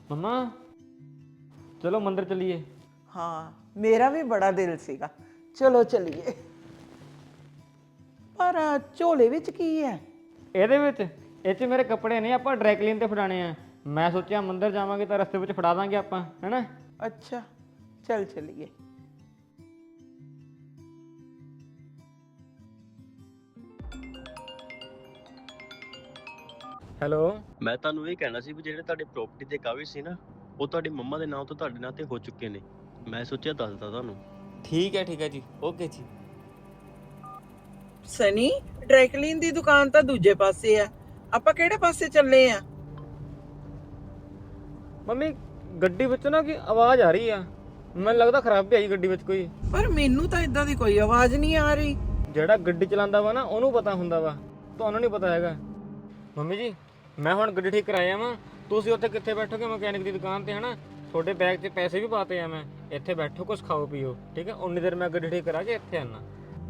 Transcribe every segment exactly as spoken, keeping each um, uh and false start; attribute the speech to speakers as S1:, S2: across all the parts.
S1: मम्मा चलो मंदिर चलिए।
S2: हाँ मेरा भी बड़ा दिल सीगा, चलो चलिए। पर ਝੋਲੇ ਵਿੱਚ ਕੀ ਹੈ?
S1: ਇਹਦੇ ਵਿੱਚ ਇਹ 'ਚ ਮੇਰੇ ਕੱਪੜੇ ਨੇ, ਆਪਾਂ ਡਰਾਈ ਕਲੀਨ ਤੇ ਫੜਾਣੇ ਆ। ਮੈਂ ਸੋਚਿਆ ਮੰਦਿਰ ਜਾਵਾਂਗੇ ਤਾਂ ਰਸਤੇ ਵਿੱਚ ਫੜਾ ਦਾਂਗੇ ਆਪਾਂ, ਹੈਨਾ।
S2: ਅੱਛਾ ਚੱਲ ਚਲੀਏ।
S1: ਹੈਲੋ।
S3: ਮੈਂ ਤੁਹਾਨੂੰ ਇਹ ਕਹਿਣਾ ਸੀ ਵੀ ਜਿਹੜੇ ਤੁਹਾਡੇ ਪ੍ਰਾਪਰਟੀ ਦੇ ਕਾਗਜ਼ ਸੀ ਨਾ, ਉਹ ਤੁਹਾਡੀ ਮੰਮਾ ਦੇ ਨਾਮ ਤੋਂ ਤੁਹਾਡੇ ਨਾਂ ਤੇ ਹੋ ਚੁੱਕੇ ਨੇ। ਮੈਂ ਸੋਚਿਆ ਦੱਸਦਾ ਤੁਹਾਨੂੰ।
S1: ਠੀਕ ਹੈ ਠੀਕ ਹੈ ਜੀ, ਓਕੇ ਜੀ।
S2: ਸਨੀ, ਡਰਾਈ ਕਲੀਨ ਦੀ ਦੁਕਾਨ ਤਾਂ ਦੂਜੇ ਪਾਸੇ ਆ, ਆਪਾਂ ਕਿਹੜੇ ਪਾਸੇ ਚੱਲੇ ਆ?
S1: ਮੰਮੀ ਗੱਡੀ ਵਿੱਚ ਨਾ ਕੀ ਆਵਾਜ਼ ਆ ਰਹੀ ਆ, ਮੈਨੂੰ ਲੱਗਦਾ ਖਰਾਬੀ ਆਈ ਗੱਡੀ ਵਿੱਚ ਕੋਈ।
S2: ਪਰ ਮੈਨੂੰ ਤਾਂ ਇਦਾਂ ਦੀ ਕੋਈ ਆਵਾਜ਼ ਨਹੀਂ ਆ ਰਹੀ।
S1: ਜਿਹੜਾ ਗੱਡੀ ਚਲਾਉਂਦਾ ਵਾ ਨਾ ਉਹਨੂੰ ਪਤਾ ਹੁੰਦਾ ਵਾ, ਤੁਹਾਨੂੰ ਨਹੀਂ ਪਤਾ ਹੈਗਾ। ਮੰਮੀ ਜੀ ਮੈਂ ਹੁਣ ਗੱਡੀ ਠੀਕ ਕਰਾਇਆ ਵਾਂ, ਤੁਸੀਂ ਉੱਥੇ ਕਿੱਥੇ ਬੈਠੋਗੇ ਮਕੈਨਿਕ ਦੀ ਦੁਕਾਨ ਤੇ, ਹਨਾ। ਤੁਹਾਡੇ ਬੈਗ 'ਚ ਪੈਸੇ ਵੀ ਪਾਤੇ ਆ ਮੈਂ, ਇੱਥੇ ਬੈਠੋ ਕੁਝ ਖਾਓ ਪੀਓ, ਠੀਕ ਹੈ। ਉਨੀ ਦੇਰ ਮੈਂ ਗੱਡੀ ਠੀਕ ਕਰਾ ਕੇ ਇੱਥੇ ਆਣਾ।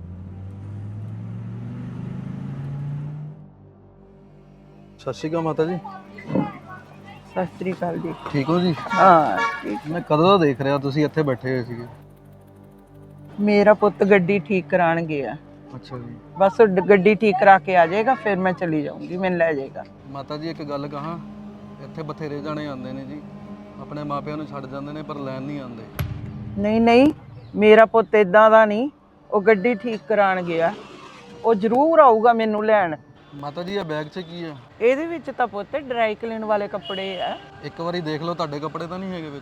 S4: ਸਤਿ ਸ਼੍ਰੀ ਅਕਾਲ ਮਾਤਾ ਜੀ।
S2: ਸਤਿ ਸ੍ਰੀ ਅਕਾਲ ਜੀ।
S4: ਠੀਕ ਹੋ ਜੀ?
S2: ਹਾਂ ਠੀਕ।
S4: ਮੈਂ ਕਦੋਂ ਦਾ ਦੇਖ ਰਿਹਾ ਤੁਸੀਂ ਇੱਥੇ ਬੈਠੇ ਹੋਏ ਸੀਗੇ।
S2: ਮੇਰਾ ਪੁੱਤ ਗੱਡੀ ਠੀਕ ਕਰਾਣ ਗਿਆ,
S4: ਅੱਛਾ ਜੀ।
S2: ਬਸ ਉਹ ਗੱਡੀ ਠੀਕ ਕਰਾ ਕੇ ਆ ਜਾਏਗਾ, ਫਿਰ ਮੈਂ ਚਲੀ ਜਾਊਂਗੀ, ਮੈਨੂੰ ਲੈ ਜਾਏਗਾ।
S4: ਮਾਤਾ ਜੀ ਇੱਕ ਗੱਲ ਕਹਾਂ, ਇੱਥੇ ਬਥੇਰੇ ਜਾਣੇ ਆਉਂਦੇ ਨੇ ਜੀ, ਆਪਣੇ ਮਾਪਿਆਂ ਨੂੰ ਛੱਡ ਜਾਂਦੇ ਨੇ ਪਰ ਲੈਣ ਨਹੀਂ ਆਉਂਦੇ।
S2: ਨਹੀਂ ਨਹੀਂ, ਮੇਰਾ ਪੁੱਤ ਇਦਾਂ ਦਾ ਨਹੀਂ, ਉਹ ਗੱਡੀ ਠੀਕ ਕਰਾਣ ਗਿਆ, ਉਹ ਜ਼ਰੂਰ ਆਊਗਾ ਮੈਨੂੰ ਲੈਣ।
S4: ਮਾਤਾ ਜੀ ਇਹ ਬੈਗ 'ਚ ਕੀ ਹੈ?
S2: ਇਹਦੇ ਵਿੱਚ ਤਾਂ ਪੁੱਤ ਡਰਾਈ ਕਲੀਨ ਵਾਲੇ ਕੱਪੜੇ ਆ।
S4: ਇੱਕ ਵਾਰੀ ਦੇਖ ਲਓ, ਤੁਹਾਡੇ ਕੱਪੜੇ ਤਾਂ ਨਹੀਂ ਹੈਗੇ ਵਿੱਚ?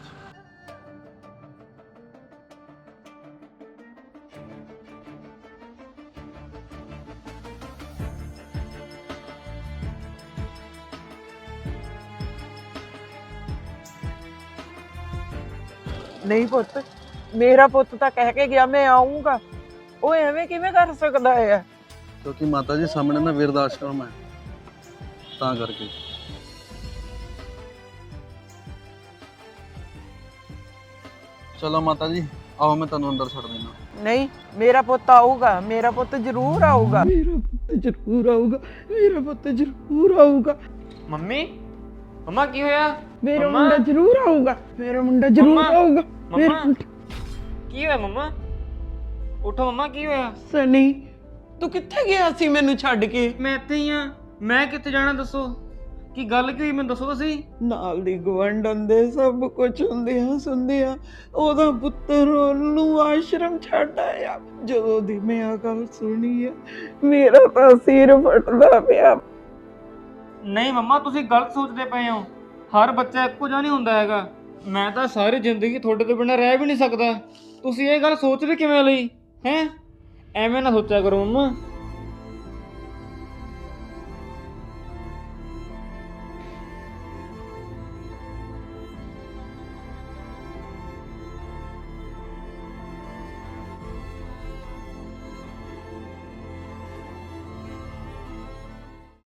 S2: ਨਹੀਂ ਪੁੱਤ, ਮੇਰਾ ਪੁੱਤ ਤਾਂ ਕਹਿ ਕੇ ਗਿਆ ਮੈਂ ਆਉਂਗਾ, ਉਹ ਐਵੇਂ ਕਿਵੇਂ ਕਰ ਸਕਦਾ ਹੈ?
S4: ਕਿਉਂਕਿ ਮਾਤਾ ਜੀ ਸਾਹਮਣੇ ਨਾ ਬਿਰਧ ਆਸ਼ਰਮ ਹੈ, ਤਾਂ ਕਰਕੇ। ਚਲੋ ਮਾਤਾ ਜੀ ਆਓ, ਮੈਂ ਤੁਹਾਨੂੰ ਅੰਦਰ ਛੱਡ ਦਿੰਦਾ।
S2: ਨਹੀਂ, ਮੇਰਾ ਪੁੱਤ ਆਊਗਾ, ਮੇਰਾ ਪੁੱਤ ਜ਼ਰੂਰ ਆਊਗਾ, ਮੇਰਾ ਪੁੱਤ ਜ਼ਰੂਰ ਆਊਗਾ, ਮੇਰਾ ਪੁੱਤ ਜ਼ਰੂਰ ਆਊਗਾ।
S1: ਮੰਮੀ ਮੰਮਾ ਕੀ ਹੋਇਆ?
S2: ਮੇਰਾ
S1: ਮੰਮਾ?
S2: ਮੁੰਡਾ ਜ਼ਰੂਰ ਆਊਗਾ, ਮੇਰਾ ਮੁੰਡਾ ਜ਼ਰੂਰ
S1: ਮੰਮਾ?
S2: ਆਊਗਾ। ਮੇਰਾ
S1: ਮੰਮਾ
S2: ਮੁੰਡਾ-
S1: ਕੀ ਹੋਇਆ? ਮੰਮਾ ਉਠੋ, ਮੰਮਾ ਕੀ ਹੋਇਆ?
S2: ਸਨੀ, ਤੂੰ ਕਿੱਥੇ ਗਿਆ ਸੀ ਮੈਨੂੰ ਛੱਡ ਕੇ?
S1: ਮੈਂ ਇੱਥੇ ਹੀ ਆ। ਮੈਂ ਕਿੱਥੇ ਜਾਣਾ ਦੱਸੋ, ਕੀ ਗੱਲ ਕੀ ਹੋਈ ਮੈਨੂੰ ਦੱਸੋ ਤੁਸੀਂ।
S2: ਨਾਲ ਦੀ ਗਵੰਡਨ ਦੇ ਸਭ ਕੁਝ ਹੁੰਦੇ ਆ ਸੁਣਦੇ ਆ, ਉਹਦਾ ਪੁੱਤਰ ਉਹਨੂੰ ਆਸ਼ਰਮ ਛੱਡ ਆਇਆ। ਜਦੋਂ ਦੀ ਮੈਂ ਆ ਗੱਲ ਸੁਣੀ ਆ, ਮੇਰਾ ਤਾਂ ਸਿਰ ਫਟਦਾ ਪਿਆ।
S1: ਨਹੀਂ ਮੰਮਾ ਤੁਸੀਂ ਗਲਤ ਸੋਚਦੇ ਪਏ ਹੋ, ਹਰ ਬੱਚਾ ਇੱਕੋ ਜਿਹਾ ਨਹੀਂ ਹੁੰਦਾ ਹੈਗਾ। ਮੈਂ ਤਾਂ ਸਾਰੀ ਜ਼ਿੰਦਗੀ ਤੁਹਾਡੇ ਤੋਂ ਬਿਨਾਂ ਰਹਿ ਵੀ ਨਹੀਂ ਸਕਦਾ, ਤੁਸੀਂ ਇਹ ਗੱਲ ਸੋਚ ਵੀ ਕਿਵੇਂ ਲਈ ਹੈ? ਐਵੇਂ ਨਾ ਸੋਚਿਆ ਕਰੋ ਮੰਮਾ।